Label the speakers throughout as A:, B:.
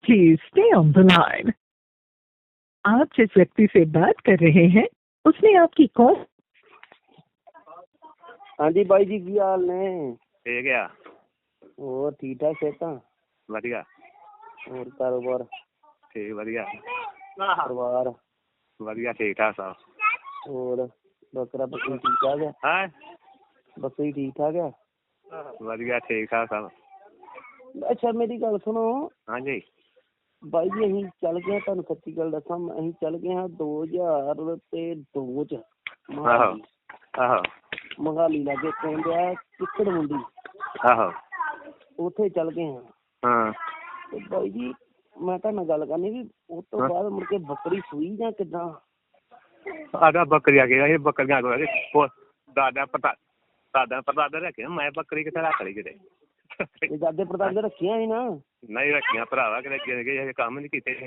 A: Please stay on the line. आप जिस व्यक्ति से बात कर रहे हैं उसने आपकी कॉल।
B: हाँ जी बाई जी, की हाल ने?
C: ठीक है।
B: और ठीक ठाक सेहतां?
C: वधिया।
B: और कारोबार
C: ठीक वधिया।
B: परिवार
C: वधिया ठीक ठाक सब।
B: और बकरा बकरी ठीक ठाक है?
C: हाँ
B: बकरी ठीक ठाक है?
C: वधिया ठीक ठाक सब।
B: अच्छा मेरी गल सुनो।
C: हाँ जी
B: ਬਾਈ ਜੀ ਅਸੀਂ ਚੱਲ ਗਏ, ਤੁਹਾਨੂੰ ਸੱਚੀ ਗੱਲ ਦੱਸਾਂ, ਅਸੀਂ ਚੱਲ ਗਏ ਹਾਂ 2002 ਚ
C: ਆਹੋ ਆਹੋ
B: ਮੋਹਾਲੀ ਲਾਗੇ ਪਿੰਡ ਆ ਕਿੱਕੜ ਮੁੰਡੀ,
C: ਆਹੋ
B: ਉੱਥੇ ਚੱਲ ਗਏ ਹਾਂ।
C: ਹਾਂ
B: ਤੇ ਬਾਈ ਜੀ ਮੈਂ ਤੁਹਾਡੇ ਨਾਲ ਗੱਲ ਕਰਨੀ ਵੀ ਉਸ ਤੋਂ ਬਾਅਦ ਮੁੜ ਕੇ ਬੱਕਰੀ ਸੂਈ ਜਾਂ ਕਿੱਦਾਂ?
C: ਆਗਾ ਬੱਕਰੀਆਂ ਗਿਆ ਇਹ ਬੱਕਰੀਆਂ ਕੋ ਦਾਦਾ ਪਤਾ ਰੱਖੇ ਮੈਂ ਬੱਕਰੀ ਕਿੱਥੇ ਰੱਖ ਲਈ ਕਿਤੇ
B: ਇਹ ਦਾਦੇ ਪੜਦਾਦੇ ਰੱਖੀਆਂ ਸੀ ਨਾ?
C: ਨਹੀਂ ਰੱਖੀਆਂ ਭਰਾਵਾ ਕਿਤੇ ਗਏ ਕੰਮ ਨਹੀਂ ਕੀਤੇ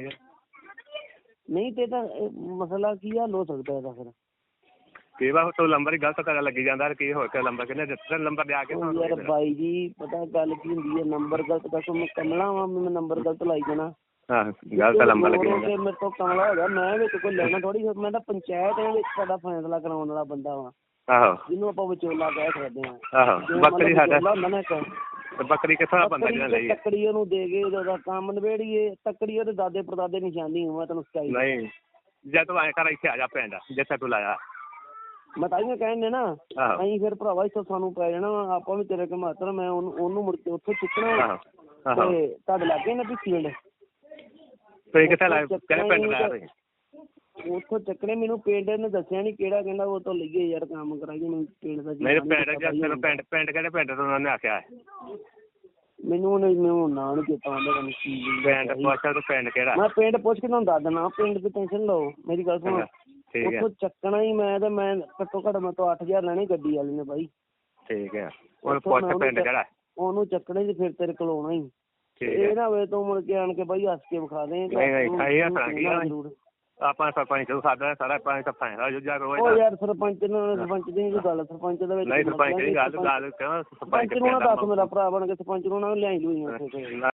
B: ਨਹੀਂ ਤੇ ਤਾਂ ਮਸਲਾ ਕੀ ਹੱਲ ਹੋ ਸਕਦਾ ਇਹਦਾ ਫਿਰ?
C: ਕਈ ਵਾਰ ਤੋਂ ਲੰਬਰ ਹੀ ਗਲਤ ਕਰਨ ਲੱਗੀ ਜਾਂਦਾ ਕੀ ਹੋਰ ਕਿ ਲੰਬਰ ਕਿੰਨੇ ਦਿੱਤਾ ਲੰਬਰ ਦੇ ਆ ਕੇ
B: ਯਾਰ ਬਾਈ ਜੀ ਪਤਾ ਗੱਲ ਕੀ ਹੁੰਦੀ ਹੈ, ਨੰਬਰ ਗਲਤ ਦੱਸੋ ਮੈਂ ਕਮਲਾ ਵਾਂ, ਮੈਂ ਨੰਬਰ ਗਲਤ ਲਾਈ ਜਾਣਾ।
C: ਗਲਤ ਲੰਬਰ ਲੱਗੀ
B: ਮੇਰੇ ਤੋਂ ਕਮਲਾ ਹੋ ਗਿਆ, ਮੈਂ ਵਿੱਚ ਕੋਈ ਲੈਣਾ ਥੋੜੀ, ਮੈਂ ਤਾਂ ਪੰਚਾਇਤ ਦੇ ਵਿੱਚ ਸਾਡਾ ਫੈਸਲਾ ਕਰਾਉਣ ਵਾਲਾ ਬੰਦਾ ਵਾਂ।
C: ਆਹੋ
B: ਜਿਹਨੂੰ ਆਪਾਂ ਵਿਚੋਲਾ ਕਹਿ ਸਕਦੇ ਹਾਂ।
C: ਆਹੋ ਬੱਕਰੀ ਸਾਡਾ
B: ਹੁੰਦਾ ਨਾ ਇੱਕ
C: ਬੱਕਰੀ ਕਿੱਥੋਂ ਬੰਦਾ ਜਿਹੜਾ ਲਈ
B: ਤੱਕੜੀ ਉਹਨੂੰ ਦੇ ਕੇ ਉਹਦਾ ਕੰਮ ਨਿਬੇੜੀਏ। ਤੱਕੜੀ ਉਹਦੇ ਦਾਦੇ ਪੜਦਾਦੇ ਨਿਸ਼ਾਨੀ ਮੈਂ ਤੈਨੂੰ ਸਿਖਾਈ
C: ਨਹੀਂ ਜੇ ਤੂੰ ਐਂ ਕਰ ਇੱਥੇ ਆ ਜਾ ਪਿੰਡ ਜਿੱਥੇ ਤੂੰ ਲਾਇਆ।
B: ਮੈਂ ਤਾਂ ਇਹ ਕਹਿੰਦੇ ਨਾ ਅਸੀਂ ਫਿਰ ਭਰਾਵਾ ਇੱਥੋਂ ਸਾਨੂੰ ਪੈ ਜਾਣਾ ਆਪਾਂ ਵੀ ਤੇਰੇ ਕਮਾਤਰ ਮੈਂ ਉਹਨੂੰ ਮੁੜ ਕੇ ਉੱਥੋਂ ਚੁੱਕਣਾ ਤੇ ਤੁਹਾਡੇ ਲਾਗੇ ਨਾ ਪਿੰਡ
C: ਤੁਸੀਂ ਕਿੱਥੇ ਲਾਇਆ ਕਿਹੜੇ ਪਿੰਡ ਲਾਇਆ ਤੁਸੀਂ?
B: ਉੱਥੋਂ ਚੱਕਣੇ ਮੈਨੂੰ ਪਿੰਡ ਨੇ ਦੱਸਿਆ ਨੀ ਕਿਹੜਾ, ਕਹਿੰਦਾ ਉਹ ਤੋਂ ਲਈਏ ਯਾਰ ਕੰਮ ਕਰਾਈਏ ਮੈਨੂੰ ਪਿੰਡ ਦਾ।
C: ਨਹੀਂ ਪਿੰਡ ਕਿਹੜੇ ਪਿੰਡ ਤੋਂ ਉਹਨਾਂ ਨੇ ਆਖਿਆ
B: ਮੈਨੂੰ ਨਾਂ ਨੀ ਚੇਤਾ ਆਉਂਦਾ
C: ਪਿੰਡ ਪੁੱਛ ਤੂੰ ਪਿੰਡ ਕਿਹੜਾ? ਮੈਂ
B: ਪਿੰਡ ਪੁੱਛ ਕੇ ਤੁਹਾਨੂੰ ਦੱਸ ਦੇਣਾ, ਪਿੰਡ ਦੀ ਟੈਨਸ਼ਨ ਲਓ। ਮੇਰੀ ਗੱਲ ਸੁਣੋ, ਉੱਥੋਂ ਚੱਕਣਾ ਹੀ ਮੈਂ ਤੇ ਮੈਂ ਘੱਟੋ ਘੱਟ ਮੈਂ ਤੋਂ 8000 ਲੈਣੀ ਗੱਡੀ ਵਾਲੇ ਨੇ ਬਾਈ।
C: ਠੀਕ ਹੈ ਉਹਨੂੰ ਪੁੱਛ ਪਿੰਡ ਕਿਹੜਾ?
B: ਉਹਨੂੰ ਚੱਕਣਾ ਹੀ ਫਿਰ ਤੇਰੇ ਕੋਲ ਆਉਣਾ ਹੀ। ਇਹ ਨਾ ਹੋਵੇ ਤੂੰ ਮੁੜ ਕੇ ਆਣ ਕੇ ਬਾਈ ਹੱਸ ਕੇ ਵਿਖਾ ਦੇ।
C: ਆਪਾਂ ਸਰਪੰਚ ਨੂੰ ਸਾਡਾ ਸਾਰਾ ਪੰਜ ਤਾਂ ਫਾਇਦਾ ਹੋ ਜਾ ਰੋਜ਼।
B: ਉਹ ਯਾਰ ਸਰਪੰਚ ਦੀ ਗੱਲ, ਸਰਪੰਚ ਦੇ ਵਿੱਚ
C: ਨਹੀਂ ਸਰਪੰਚ ਦੀ ਗੱਲ ਸਰਪੰਚ
B: ਨੂੰ ਨਾ ਦੱਸ, ਮੇਰਾ ਭਰਾ ਬਣ ਕੇ ਸਰਪੰਚ ਨੂੰ ਨਾ ਲਿਆਈ ਲੂਈ ਉੱਥੇ।